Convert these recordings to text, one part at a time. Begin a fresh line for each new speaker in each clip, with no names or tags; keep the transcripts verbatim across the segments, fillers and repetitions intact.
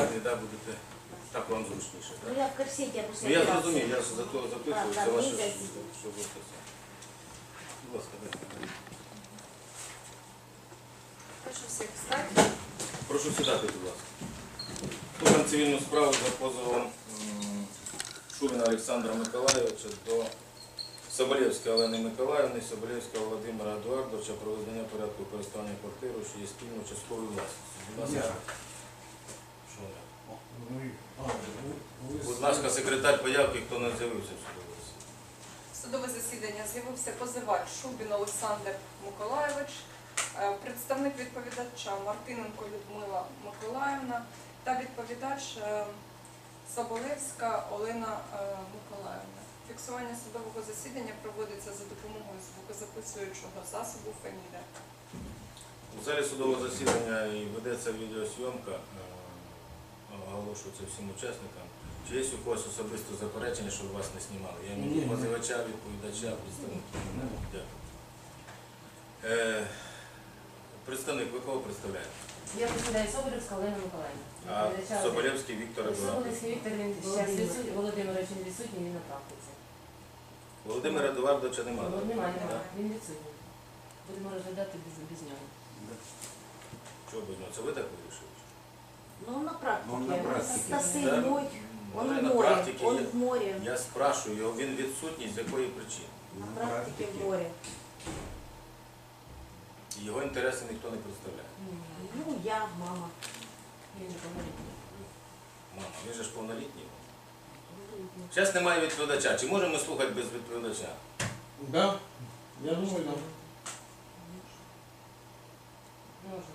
згодні, да, будете, так вам зручніше.
Ну
Да?
я в корсете опустила.
Ну я зрозумів, я ж за то запитую,
Так,
це
так,
ваше,
нельзя
що
сидіти.
що ви це. Будь ласка, дайте.
Прошу всіх встати.
Прошу сідати, будь ласка. Слухаємо цивільну справу за позовом м, Шурина Олександра Миколайовича до Соболєвської Олени Миколаївни, Соболєвського Володимира Едуардовича про визнання порядку користування квартирою, що є спільною частковою власністю. Будь ласка. Що ви? Будь ласка, секретар появки, хто не з'явився в судовому засіданні.
В судове засідання з'явився позивач Шубін Олександр Миколайович, е, представник відповідача Мартиненко Людмила Миколаївна та відповідач е, Соболєвська Олена е, Миколаївна. Фіксування судового засідання проводиться за допомогою звукозаписуючого засобу Феміда.
У залі судового засідання і ведеться відеосйомка, е, оголошується всім учасникам. Чи є у когось особисто заперечення, щоб вас не знімали? Я маю позивача, відповідача, представників. Дякую. Е, представник, ви кого представляєте?
Я представляю Соболєвська Олена Миколаївна.
А Соболєвський Віктор Едуардович.
Соболєвський Віктор, він зараз відсутній, Володимирович він відсутній, він на практиці.
Володимира Едуардовича немає.
Немає, немає, він відсутній. Будемо розглядати без, без нього.
Чого без нього? Це ви так вирішили?
Ну он на практике.
Он на практике.
Стасы
Да.
мой, он
Може,
в
на
море,
практиці
он
є.
в море.
Я спрашую його, він відсутній, з якої причини?
На практике в море.
Його інтереси ніхто не представляє.
Ну я, мама.
Він неповнолітній.
Мама, він же ж повнолітній. Зараз немає відповідача. Чи можемо ми слухати без відповідача?
Да, я думаю, да.
Можна.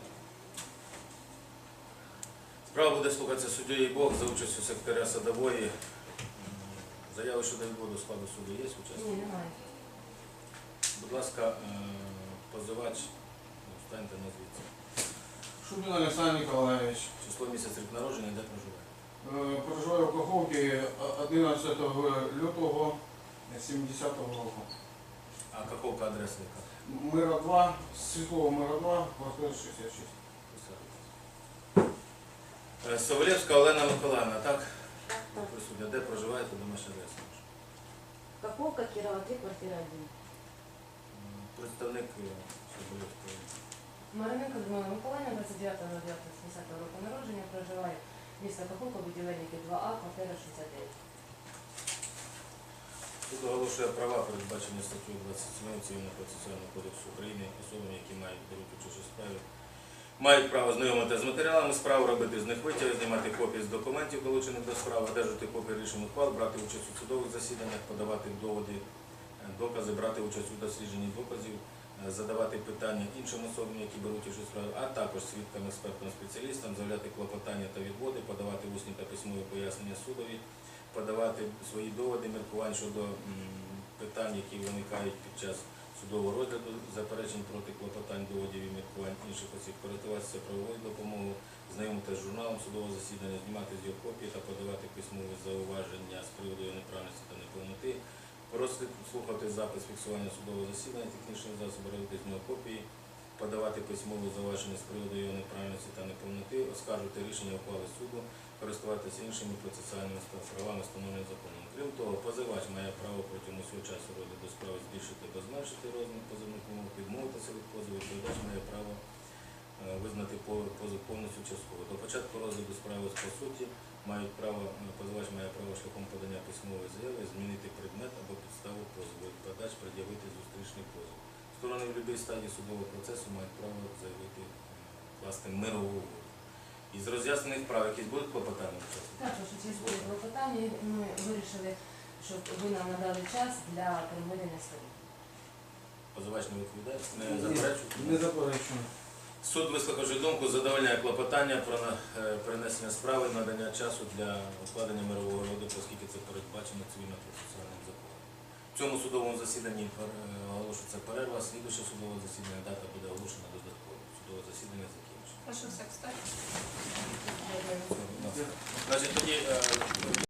Справа буде слухатися суддєю Бог за участю секретаря Садової. Заяви щодо відводу складу суду є
Ні,
участь?
немає.
Будь ласка, е, позивач, встаньте назвіться.
Шубин Олександр Миколаївич.
Число, місяць, рік народження, де проживає?
Е, Проживаю в Каховці одинадцятого лютого сімдесятого року.
А Каховка адреса яка?
Мира два, Світлого Мира два, квартира шістдесят шість.
Е, Соболєвська Олена Миколаївна, так?
Так, так.
Присутня. Де проживаєте, домашня адреса?
Каховка, Кирова, три, квартира один.
М, Представник е, Соболєвської.
Мариненко Людмила Миколаївна, двадцять дев'ятого дев'ятого сімдесятого року народження, проживає місто Каховка, будівельники два А, квартира шістдесят дев'ять.
Суд оголошує права, передбачені статтею двадцять сім Цивільного процесуального кодексу України, особами, які мають беруть участь у справі, мають право знайомити з матеріалами справи, робити з них витяги, знімати копії з документів, долучених до справи, одержати копії рішень ухвал, брати участь у судових засіданнях, подавати доводи, е, докази, брати участь у дослідженні доказів, е, задавати питання іншим особам, які беруть участь у справі, а також свідкам, експертам, спеціалістам, заявляти клопотання та відводи, подавати усні та письмові пояснення судові, подавати свої доводи, міркувань щодо м, питань, які виникають під час судового розгляду, заперечень проти клопотань, доводів і міркувань інших осіб, користуватися правовою допомогою, знайомитися з журналом судового засідання, знімати з його копії та подавати письмові зауваження з приводу його неправильності та неповноти, просити слухати запис фіксування судового засідання, технічних засобів, робити з нього копії, подавати письмові зауваження з приводу його неправильності та неповноти, оскаржувати рішення ухвали суду, користуватися іншими процесуальними правами, встановленими законом. Крім того, позивач має право протягом усього часу розгляду справи збільшити або зменшити розмір позовних умов, відмовитися від позову, відповідач має право е, визнати позов повністю частково. До початку розгляду справи по суті мають право, позивач має право шляхом подання письмової заяви змінити предмет або підставу позову, відповідач пред'явити зустрічний позов. Сторони в будь-якій стадії судового процесу мають право заявити е, власне мирову угоду. Із роз'яснених справ якісь будуть клопотання?
Так, що через були клопотання, ми вирішили, щоб ви нам надали час для перемирення сторін.
Позивач не відповідає? Не заперечує?
Не заперечую.
Суд, вислухавши думку, задовольняє клопотання про на- е, перенесення справи, надання часу для укладення мирового угоди, оскільки це передбачено цивільно-процесуальним законом. В цьому судовому засіданні пер- е, оголошується перерва, слідуюче судове засідання, дата буде оголошена додатково. Судове засідання закінчено.
Прошу всіх встати.
Дякую.
Значить, тоді е,